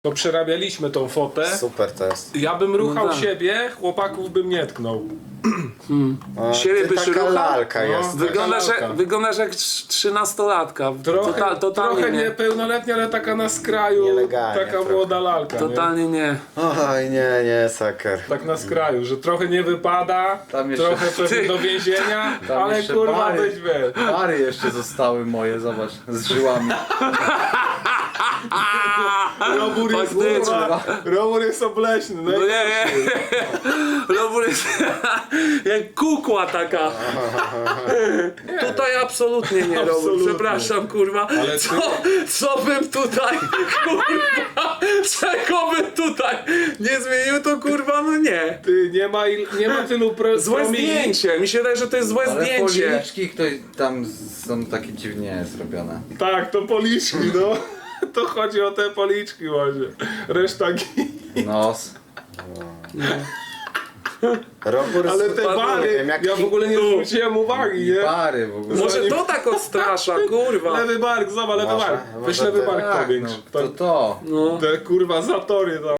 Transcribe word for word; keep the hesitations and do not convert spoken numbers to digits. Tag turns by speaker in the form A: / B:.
A: To przerabialiśmy tą fotę.
B: Super to jest.
A: Ja bym ruchał
C: No tak.
A: siebie, chłopaków bym nie tknął.
B: O,
C: Siebie
B: ty
C: byś
B: taka
C: ruchał?
B: lalka
A: No.
B: jest.
C: Wyglądasz
A: lalka.
C: jak, wyglądasz jak trz- trzynastolatka.
A: Trochę,
C: Total, totalnie
A: trochę
C: nie.
A: niepełnoletnia, ale taka na skraju,
B: Nielegalnie
A: taka
B: trochę.
A: młoda lalka. Nie?
C: Totalnie nie.
B: Oj, nie, nie, saker.
A: Tak na skraju, że trochę nie wypada,
D: Tam jeszcze-
A: trochę pewnie
C: Ty.
A: do więzienia,
D: Tam
A: ale
D: jeszcze
A: kurwa
D: bary.
A: być wiesz.
D: Pary jeszcze zostały moje, zobacz, z żyłami.
A: Robór jest,
C: Faktycznie.
A: kurwa, robór jest obleśny. No
C: No
A: i-
C: nie, nie. Robór jest jak kukła taka. Tutaj absolutnie nie, Robór.
A: Absolutnie.
C: Przepraszam, kurwa.
A: Ale ty-
C: Co, co bym tutaj, kurwa, czego bym tutaj nie zmienił, to kurwa, no nie.
A: Ty, nie ma, il, nie ma tylu pro,
C: Złe
A: promili.
C: zdjęcie. Mi się wydaje, że to jest złe
D: Ale
C: zdjęcie.
D: policzki ktoś tam są takie dziwnie zrobione.
A: Tak, to policzki, no. To chodzi o te policzki właśnie. Reszta gi-
D: Nos.
B: Robór
A: Ale
B: jest-
A: te
B: nie
A: bary,
B: wiem, jak
A: ja w ogóle nie zwróciłem uwagi, nie?
D: Pary w ogóle.
C: Może to tak odstrasza, kurwa.
A: Lewy bark, zobacz, lewy
B: Może-
A: bark. Weź
B: może
A: lewy
B: to-
A: bark
D: Tak,
A: powiększ.
D: no, to to.
C: No.
A: Te kurwa zatory tam.